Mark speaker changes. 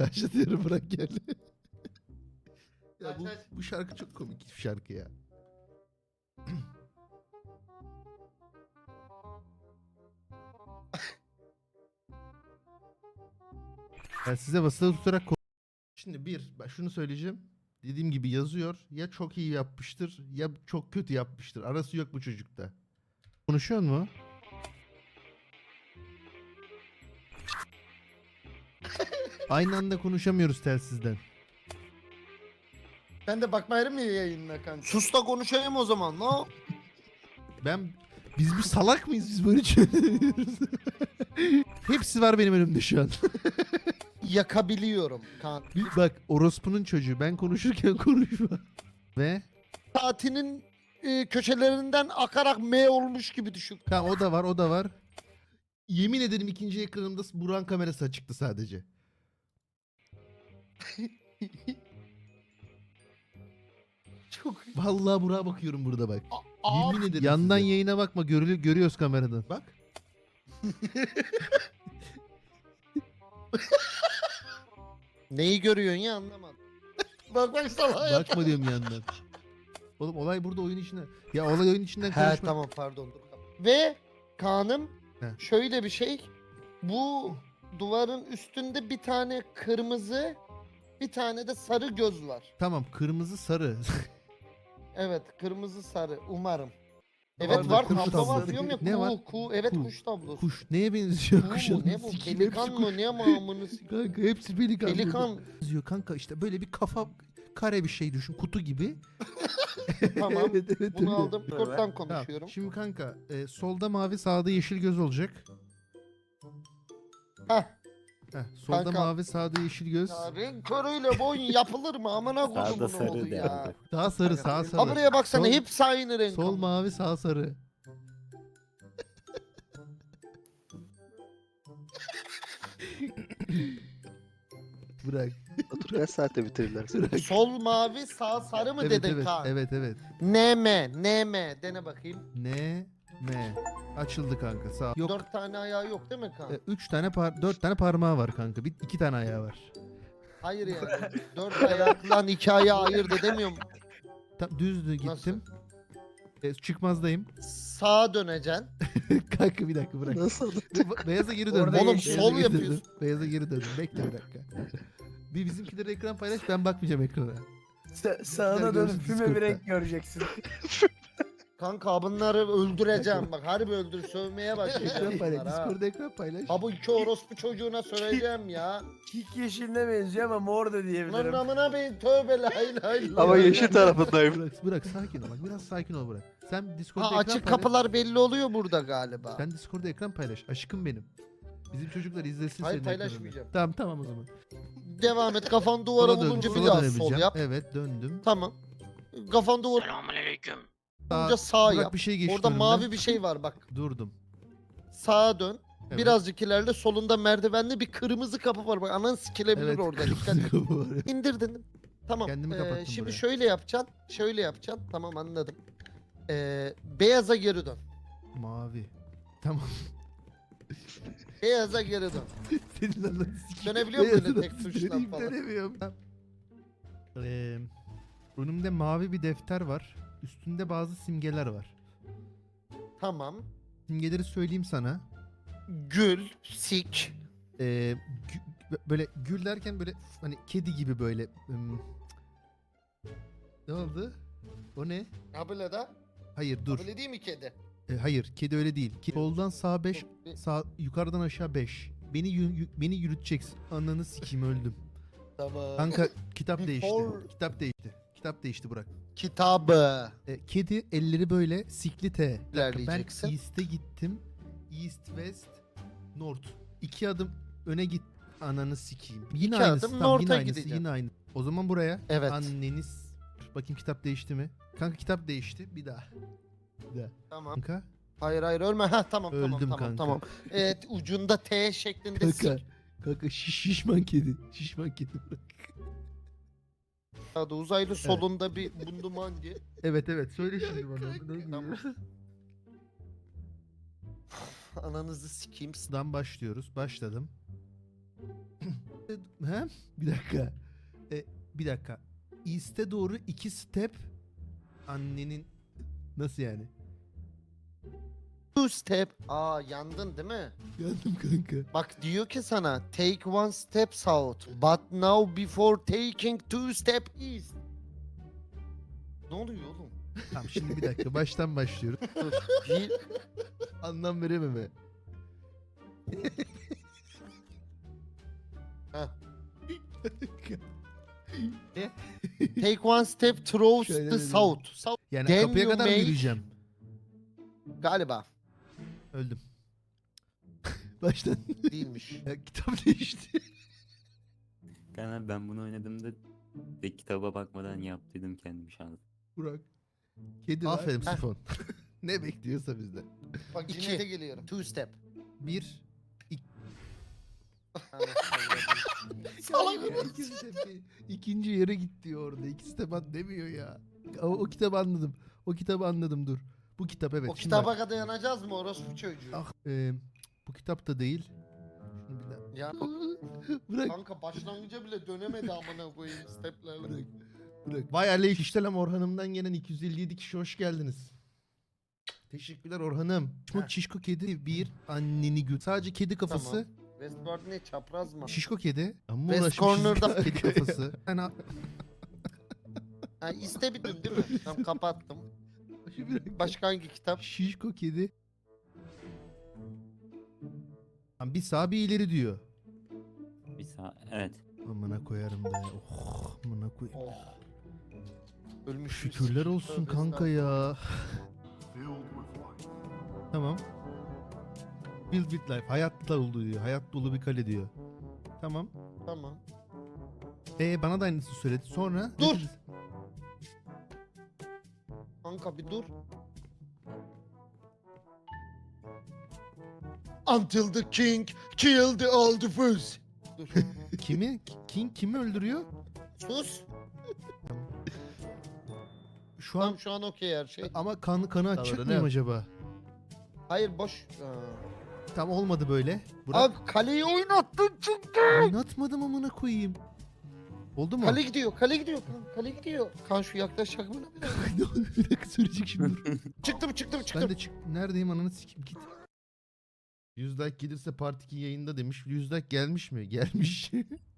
Speaker 1: Başlatıyorum, bırak gel. Ya
Speaker 2: Aç, aç.
Speaker 1: bu şarkı çok komik bir şarkı ya. Ben size basılı tutarak şimdi ben şunu söyleyeceğim. Dediğim gibi yazıyor. Ya çok iyi yapmıştır ya çok kötü yapmıştır. Arası yok bu çocukta. Konuşuyor mu? Aynı anda konuşamıyoruz telsizden.
Speaker 2: Ben de bakmayarım ya yayınına kanka.
Speaker 3: Sus da konuşayım o zaman. No.
Speaker 1: Biz bir salak mıyız? Biz böyle çözemiyoruz. Hepsi var benim önümde şu an.
Speaker 2: Yakabiliyorum kanka.
Speaker 1: Bak, orospunun çocuğu. Ben konuşurken konuşma. Ve
Speaker 2: Saatinin köşelerinden akarak M olmuş gibi düşün.
Speaker 1: tamam, o da var. Yemin ederim ikinci ekranımda Burak'ın kamerası açıktı sadece.
Speaker 2: Çok.
Speaker 1: Vallahi Burak'a bakıyorum burada bak.
Speaker 2: Aa,
Speaker 1: Yemin ederim. Yandan size. Yayına bakma, görüyoruz kameradan. Bak.
Speaker 2: neyi görüyorsun ya, anlamadım. bak salağa.
Speaker 1: Bakma diyorum yandan. Oğlum olay burada oyun içinde. Ya olay oyun içinden
Speaker 2: He
Speaker 1: konuşma.
Speaker 2: tamam, pardon. Ve Kaan'ım
Speaker 1: He.
Speaker 2: şöyle bir şey. Bu duvarın üstünde bir tane kırmızı, bir tane de sarı göz var.
Speaker 1: Tamam, kırmızı sarı.
Speaker 2: Evet, kırmızı sarı umarım.
Speaker 1: Tamam,
Speaker 2: Evet var,
Speaker 1: kuş
Speaker 2: tablo
Speaker 1: tablosu.
Speaker 2: var diyorum ya.
Speaker 1: Ne var?
Speaker 2: Evet,
Speaker 1: Kuş.
Speaker 2: kuş tablosu.
Speaker 1: Kuş neye benziyor?
Speaker 2: Kuğu
Speaker 1: Kuşun
Speaker 2: mu ne bu?
Speaker 1: sikim,
Speaker 2: Pelikan
Speaker 1: hepsi
Speaker 2: mı
Speaker 1: kuş.
Speaker 2: ne mamını
Speaker 1: Kanka hepsi pelikan.
Speaker 2: Pelikan.
Speaker 1: Yazıyor kanka, işte böyle bir kafa kare bir şey düşün, kutu gibi.
Speaker 2: Tamam.
Speaker 1: evet,
Speaker 2: Bunu
Speaker 1: öyle.
Speaker 2: aldım. Discord'dan
Speaker 1: Tamam.
Speaker 2: konuşuyorum.
Speaker 1: Şimdi kanka solda mavi, sağda yeşil göz olacak.
Speaker 2: Heh.
Speaker 1: Solda
Speaker 2: Kanka.
Speaker 1: mavi, sağda yeşil göz.
Speaker 2: Ya renk körüyle bu oyun yapılır mı? Amına
Speaker 4: Sağda
Speaker 2: kodumun
Speaker 4: sarı
Speaker 2: oğlu ya.
Speaker 4: derdi.
Speaker 1: Sağ sarı, sağ
Speaker 2: Ha
Speaker 1: sarı.
Speaker 2: buraya baksana,
Speaker 1: Sol-
Speaker 2: hepsi aynı renk.
Speaker 1: Sol
Speaker 2: ama.
Speaker 1: mavi, sağ sarı. Bırak.
Speaker 5: Otur kaç saatte bitirirler seni?
Speaker 1: Bırak.
Speaker 2: Sol mavi, sağ sarı mı
Speaker 1: Evet,
Speaker 2: dedin
Speaker 1: evet,
Speaker 2: Kaan?
Speaker 1: evet, evet.
Speaker 2: NM dene bakayım.
Speaker 1: Ne? M. Açıldı kanka, sağ. Yok.
Speaker 2: 4 tane ayağı yok değil mi Kaan?
Speaker 1: 4 tane parmağı var kanka. 2 tane ayağı var.
Speaker 2: Hayır yani. 4 ayaklan 2 ayağı ayırt edemiyorum.
Speaker 1: Tam düzdü gittim. Çıkmazdayım.
Speaker 2: Sağa döneceksin.
Speaker 1: Kanka bir dakika, bırak.
Speaker 5: Nasıl?
Speaker 1: Beyaza geri döndüm.
Speaker 2: Oğlum,
Speaker 1: Beyaza
Speaker 2: sol
Speaker 1: geri
Speaker 2: yapıyorsun.
Speaker 1: döndüm. Beyaza geri döndüm. Bekle bir dakika. Bir bizimkileri ekran paylaş, ben bakmayacağım ekrana.
Speaker 6: Sağına
Speaker 1: Güzel
Speaker 6: dönüp
Speaker 1: görürsün
Speaker 6: füme
Speaker 1: Discord'da.
Speaker 6: bir renk göreceksin.
Speaker 2: Kanka bunları öldüreceğim bak. Harbi öldür, sövmeye
Speaker 1: Ekran
Speaker 2: başlayacağım
Speaker 1: paylaş.
Speaker 2: bunlara. ha.
Speaker 1: Discord'da ekran paylaş.
Speaker 2: Ha bu iki orospu çocuğuna söyleyeceğim ya.
Speaker 6: Kik yeşiline benziyor ama mor da
Speaker 2: Lan
Speaker 6: diyebilirim.
Speaker 2: namına bir tövbe la ilahe illallah.
Speaker 5: Ama yeşil tarafındayım.
Speaker 1: Bırak sakin ol, bak biraz sakin ol, bırak. Sen Discord'da
Speaker 2: Ha
Speaker 1: ekran
Speaker 2: açık
Speaker 1: paylaş.
Speaker 2: kapılar belli oluyor burada galiba.
Speaker 1: Sen Discord'da ekran paylaş. Aşkım benim. Bizim çocuklar izlesin
Speaker 2: Hayır,
Speaker 1: senin
Speaker 2: paylaşmayacağım.
Speaker 1: ekranını. Tamam o zaman.
Speaker 2: Devam et, kafan duvara
Speaker 1: Sola dön,
Speaker 2: vurunca bir
Speaker 1: sola
Speaker 2: daha sol
Speaker 1: dönebileceğim.
Speaker 2: yap.
Speaker 1: Evet, döndüm.
Speaker 2: Tamam. Kafan duvara vurunca sağ
Speaker 1: Burak
Speaker 2: yap.
Speaker 1: bir şey geçti
Speaker 2: Orada
Speaker 1: önümden.
Speaker 2: mavi bir şey var bak.
Speaker 1: Durdum.
Speaker 2: Sağa dön.
Speaker 1: Evet.
Speaker 2: Birazcık ileride solunda merdivenli bir kırmızı kapı var. Bak anan sikilebilir
Speaker 1: Evet,
Speaker 2: orada.
Speaker 1: kırmızı
Speaker 2: Dikkat et.
Speaker 1: kapı var.
Speaker 2: İndirdin. Tamam.
Speaker 1: Kendimi kapattım
Speaker 2: Şimdi
Speaker 1: buraya.
Speaker 2: şöyle yapacaksın. Şöyle yapacaksın. Tamam, anladım. Beyaza geri dön.
Speaker 1: Mavi. Tamam.
Speaker 2: Beyaza geri dön.
Speaker 1: Senin anladın sikeyim.
Speaker 2: Dönebiliyor musun
Speaker 1: Beyazı
Speaker 2: öyle tek
Speaker 1: nasıl
Speaker 2: tuşla
Speaker 1: döneyim,
Speaker 2: falan?
Speaker 1: Dönemiyorum. Önümde mavi bir defter var. Üstünde bazı simgeler var.
Speaker 2: Tamam.
Speaker 1: Simgeleri söyleyeyim sana.
Speaker 2: Gül, sik.
Speaker 1: Böyle gül derken böyle hani kedi gibi böyle. Ne oldu? O ne?
Speaker 2: Ha böyle de.
Speaker 1: Hayır dur.
Speaker 2: Böyle değil mi kedi?
Speaker 1: Hayır, kedi öyle değil. Soldan sağ 5, sağ yukarıdan aşağı 5. Beni yürüteceksin. Ananı sikeyim, öldüm.
Speaker 2: Tamam.
Speaker 1: Kanka kitap değişti.
Speaker 2: Before-
Speaker 1: Kitap değişti Burak.
Speaker 2: Kitabı.
Speaker 1: Kedi elleri böyle sikli T. Bir dakika, ben
Speaker 2: İlerleyeceksin.
Speaker 1: East'e gittim. East, West, North. 2 adım öne git. Ananı sikeyim. Yine
Speaker 2: İki
Speaker 1: aynısı.
Speaker 2: adım
Speaker 1: Tamam, yine
Speaker 2: North'a
Speaker 1: aynısı.
Speaker 2: gideceksin.
Speaker 1: Yine aynı. O zaman buraya.
Speaker 2: Evet.
Speaker 1: Anneniz. Bakayım kitap değişti mi? Kanka kitap değişti. Bir daha. Bir daha.
Speaker 2: Tamam.
Speaker 1: Kanka.
Speaker 2: Hayır ölme. Ha tamam
Speaker 1: Öldüm
Speaker 2: tamam
Speaker 1: kanka.
Speaker 2: tamam. Evet, ucunda T şeklinde
Speaker 1: Kanka.
Speaker 2: sik.
Speaker 1: Kanka şişman kedi. Şişman kedi bırak.
Speaker 2: Adı uzaylı solunda bir bundumangi.
Speaker 1: Evet söyle şimdi bana. Ne gibi?
Speaker 2: Tamam. Ananızı sikeyim.
Speaker 1: Dan başlıyoruz. Başladım. He? Bir dakika. Bir dakika. East'e doğru 2 step annenin nasıl yani?
Speaker 2: Two step. Aa yandın değil mi?
Speaker 1: Yandım kanka.
Speaker 2: Bak diyor ki sana take one step south but now before taking two step east. Ne oluyor oğlum?
Speaker 1: Tamam şimdi bir dakika baştan başlıyorum.
Speaker 2: Dur. Bir,
Speaker 1: Anlam verememe.
Speaker 2: Heh. take one step towards
Speaker 1: Şöyle
Speaker 2: the
Speaker 1: dedim.
Speaker 2: south. South
Speaker 1: Yani
Speaker 2: Then
Speaker 1: kapıya
Speaker 2: you
Speaker 1: kadar mı
Speaker 2: make-
Speaker 1: yürüyeceğim?
Speaker 2: galiba
Speaker 1: Öldüm. Baştan.
Speaker 2: değilmiş.
Speaker 1: Ya, kitap değişti.
Speaker 4: Kanka ben bunu oynadığımda de kitaba bakmadan yaptıydım kendim şans.
Speaker 1: Burak. Kedi
Speaker 2: var.
Speaker 1: Aferin
Speaker 2: Heh.
Speaker 1: Sifon. Ne bekliyorsa bizden.
Speaker 2: Bak
Speaker 1: İki.
Speaker 2: de geliyorum. Two step.
Speaker 1: Bir.
Speaker 2: Salak
Speaker 1: Ya, iki step, ikinci yere git diyor orada. İki step at demiyor ya. O kitabı anladım. O kitabı anladım dur. Bu kitap evet.
Speaker 2: O
Speaker 1: Şimdi
Speaker 2: kitaba
Speaker 1: bak.
Speaker 2: kadar yanacağız mı orospu çocuğu?
Speaker 1: Ah, bu kitap da değil. Şunu bir daha.
Speaker 2: Ya
Speaker 1: Bırak.
Speaker 2: kanka başlangıca bile dönemedi amına koyayım steplerle.
Speaker 1: Bırak. Bırak. Vay aleykümselam Orhan'ımdan gelen 257 kişi hoş geldiniz. Teşekkürler Orhan'ım. Şişko
Speaker 2: Heh.
Speaker 1: şişko kedi bir anneni gül. Sadece kedi kafası.
Speaker 2: Tamam. Westward ne çapraz mı?
Speaker 1: Şişko kedi. Amma
Speaker 2: West
Speaker 1: uğraşmışız
Speaker 2: Corner'da-
Speaker 1: kedi kafası. Yani,
Speaker 2: Ha istemedin değil mi? Tamam kapattım.
Speaker 1: bir dakika.
Speaker 2: Başka hangi kitap?
Speaker 1: Şişko kedi. Lan bir sağ bir ileri diyor.
Speaker 4: Bir sağ evet.
Speaker 1: Amına koyarım da ya. Oh, amına koy.
Speaker 2: Oh. Ölmüş.
Speaker 1: Şükürler olsun kanka ya. Tamam. Build with life. Hayatla oldu diyor. Hayat dolu bir kale diyor. Tamam.
Speaker 2: Tamam.
Speaker 1: Bana da aynısını söyledi. Sonra ne
Speaker 2: Dur.
Speaker 1: dedi?
Speaker 2: Kanka bir dur. Until the king killed the old fool. Dur.
Speaker 1: Kimi? King kimi öldürüyor?
Speaker 2: Sus.
Speaker 1: Şu an
Speaker 2: Tamam şu an okey her şey.
Speaker 1: ama kanı açacak
Speaker 2: Tamam,
Speaker 1: mıyım
Speaker 2: ne?
Speaker 1: acaba?
Speaker 2: Hayır boş.
Speaker 1: Tam olmadı böyle. Burak
Speaker 2: Abi kaleyi oynattın çünkü.
Speaker 1: oynatmadım amına koyayım. Oldu mu?
Speaker 2: Kale gidiyor, kale gidiyor. Kale gidiyor. Kan şu yaklaşacak mı?
Speaker 1: Ne oldu? Bir dakika söyleyecek şimdi. Dur.
Speaker 2: Çıktım.
Speaker 1: Ben de neredeyim ananı sikeyim git. 100 like gelirse Part 2 yayında demiş. 100 like gelmiş mi? Gelmiş.